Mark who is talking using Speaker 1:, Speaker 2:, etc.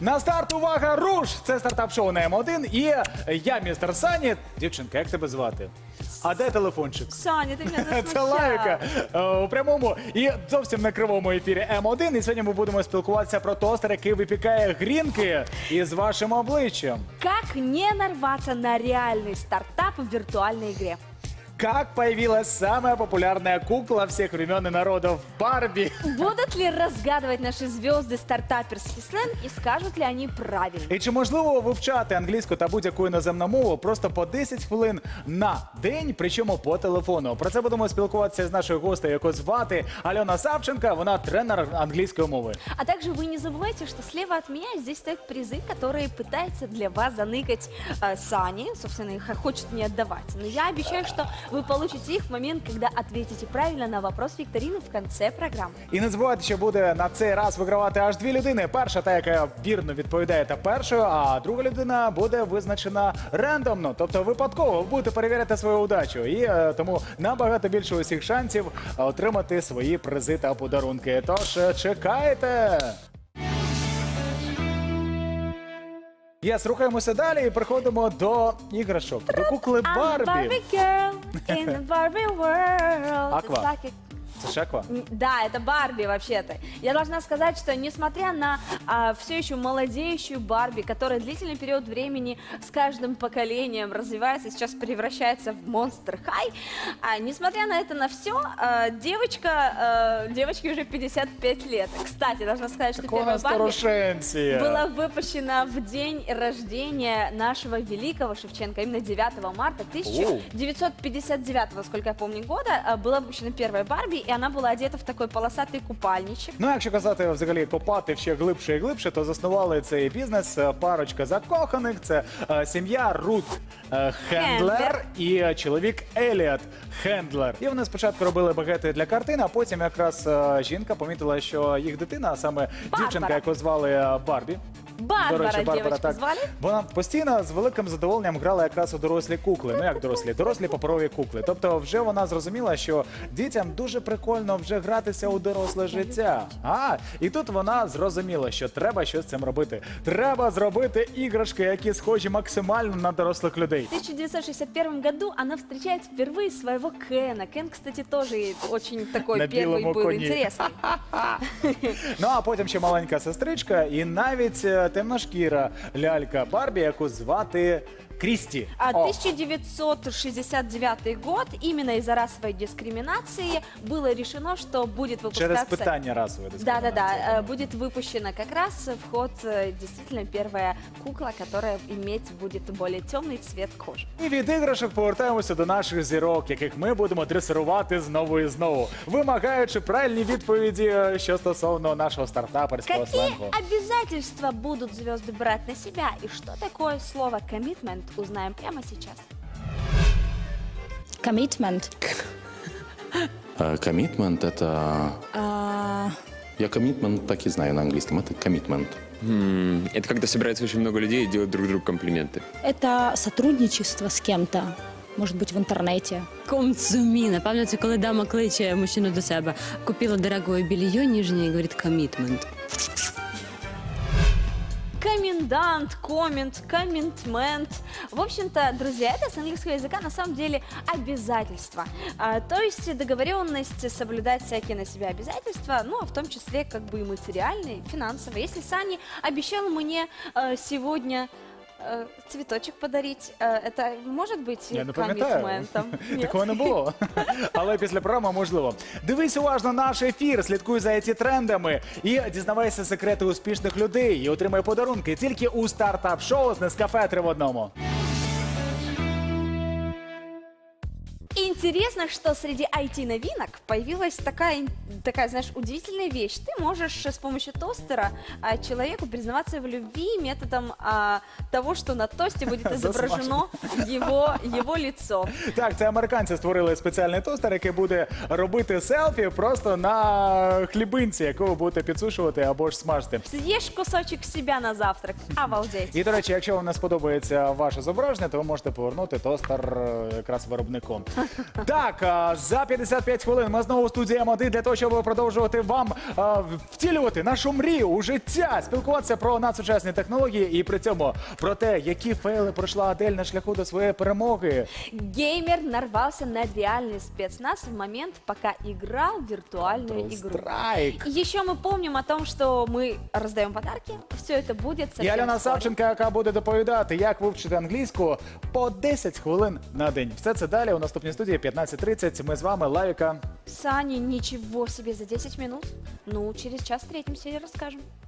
Speaker 1: На старт, увага, руш! Це стартап-шоу на М1 і я, містер Сані. Дівчинка, як тебе звати? А де телефончик?
Speaker 2: Саня, ти мене засмущав.
Speaker 1: Це лайка у прямому і зовсім на кривому ефірі М1. І сьогодні ми будемо спілкуватися про тостер, який випікає грінки із вашим обличчям.
Speaker 2: Как не нарваться на реальный стартап в виртуальной игре?
Speaker 1: Как появилась самая популярная кукла всех времен и народов Барби?
Speaker 2: Будут ли разгадывать наши звезды стартаперский сленг и скажут ли они правильно?
Speaker 1: І чи можливо вивчати англійську та будь-яку іноземну мову просто по 10 хвилин на день, причому по телефону? Про це будемо спілкуватися з нашою гостею, яку звати Альона Савченка. Вона тренер англійської мови.
Speaker 2: А также вы не забывайте, что слева от меня здесь стоят призы, которые пытается для вас заныкать Сани. Собственно, их хочет не отдавать. Но я обещаю, что вы получите их в момент, когда ответите правильно на вопрос викторины в конце программы.
Speaker 1: І не забувайте, що буде на цей раз вигравати аж дві людини. Перша, та, яка вірно відповідає та першою, а друга людина буде визначена рандомно, тобто випадково. Ви будете перевіряти свою удачу. І тому набагато більше усіх шансів отримати свої призи та подарунки. Тож чекайте! Єс, рухаємося далі і переходимо до іграшок, до кукли
Speaker 2: I'm
Speaker 1: Барбі.
Speaker 2: Barbie girl in the Barbie world.
Speaker 1: Аква.
Speaker 2: It's like a-
Speaker 1: Це ж Аква?
Speaker 2: Да, это Барби вообще-то. Я должна сказать, что несмотря на все еще молодеющую Барби, которая длительный период времени с каждым поколением развивается, сейчас превращается в Monster High, несмотря на это на все, девочке уже 55 лет. Кстати, должна сказать, что
Speaker 1: Такого
Speaker 2: первая Барби
Speaker 1: старушенція.
Speaker 2: была выпущена в день рождения нашего великого Шевченко, именно 9 марта 1959, сколько я помню, года, была выпущена первая Барби, и она была одета в такой полосатый купальничек.
Speaker 1: Ну, якщо казати взагалі копати ще глибше і глибше, то заснували цей бізнес парочка закоханих. Це сім'я Рут Хендлер і чоловік Еліот Хендлер. І вони спочатку робили багети для картин, а потім якраз жінка помітила, що їх дитина, а саме дівчинка, яку звали Барбі.
Speaker 2: Барбара, девочку звали?
Speaker 1: Вона постійно з великим задоволенням грала якраз у дорослі кукли. Ну як дорослі паперові кукли. Тобто вже вона зрозуміла, що дітям дуже прикольно вже гратися у доросле життя. І тут вона зрозуміла, що треба щось з цим робити. Треба зробити іграшки, які схожі максимально на дорослих людей.
Speaker 2: В 1961 году она встречает впервые своего Кена. Кен, кстати, тоже очень такой
Speaker 1: На
Speaker 2: первый
Speaker 1: белом
Speaker 2: был
Speaker 1: коне.
Speaker 2: интересный.
Speaker 1: Ну а потім ще маленька сестричка і навіть темношкіра лялька Барбі, яку звати Крісті.
Speaker 2: 1969 год, именно из-за расовой дискриминации было решено, что будет выпускаться...
Speaker 1: Через питання расової дискримінації.
Speaker 2: Да-да-да, будет выпущена как раз в ход действительно первая кукла, которая иметь будет более темный цвет кожи.
Speaker 1: І від іграшок повертаємося до наших зірок, яких ми будемо дресирувати знову і знову, вимагаючи правильні відповіді, що стосовно нашого стартаперського
Speaker 2: Какие
Speaker 1: сленгу.
Speaker 2: обязательства будут звезды брать на себя? И что такое слово «коммитмент» узнаем прямо сейчас.
Speaker 3: Commitment.
Speaker 4: Коммитмент это... Я коммитмент так и знаю на английском. Это коммитмент.
Speaker 5: Это когда собирается очень много людей и делают друг другу комплименты.
Speaker 3: Это сотрудничество с кем-то, может быть, в интернете.
Speaker 6: Консумі. Напевно, це коли дама кличе мужчину до себе. Купила дорогое белье нижнее и говорит «коммитмент».
Speaker 2: Комендант, коммент, комментмент. В общем-то, друзья, это с английского языка на самом деле обязательства. То есть договоренность соблюдать всякие на себя обязательства, ну, а в том числе как бы и материальные, финансовые. Если Сани обещал мне сегодня цветочек подарить, это может быть
Speaker 1: Я не пам'ятаю.
Speaker 2: коммитментом? Нет?
Speaker 1: Такого не було. Але після програми можливо. Дивись уважно наш ефір, слідкуй за ці трендами і дізнавайся секрети успішних людей і отримай подарунки тільки у стартап-шоу з Нескафе 3 в 1.
Speaker 2: Интересно, что среди IT-новинок появилась такая, знаешь, удивительная вещь. Ты можешь с помощью тостера человеку признаваться в любви методом того, что на тосте будет изображено его лицо.
Speaker 1: Так, це американці створили спеціальний тостер, який буде робити селфі просто на хлібинці, яку ви будете підсушувати або ж смажити.
Speaker 2: Съешь кусочек себя на завтрак. Обалдеть.
Speaker 1: І, до речі, якщо вам не сподобається ваше зображення, то ви можете повернути тостер якраз виробнику. Так, за 55 хвилин ми знову у студії М1 для того, щоб продовжувати вам втілювати нашу мрію у життя, спілкуватися про надсучасні технології і при цьому про те, які фейли пройшла Адель на шляху до своєї перемоги.
Speaker 2: Геймер нарвался на реальный спецназ в момент, пока играл в виртуальную игру.
Speaker 1: Страйк.
Speaker 2: И еще мы помним о том, что мы раздаем подарки. Все это будет
Speaker 1: І
Speaker 2: совсем
Speaker 1: Альона
Speaker 2: скоро.
Speaker 1: Савченко, яка буде доповідати, як вивчити англійську по 10 хвилин на день. Все це далі у наступній студії 15:30. Ми з вами, Лавіка.
Speaker 2: Саня, ничего себе за 10 минут. Ну, через час встретимся и расскажем.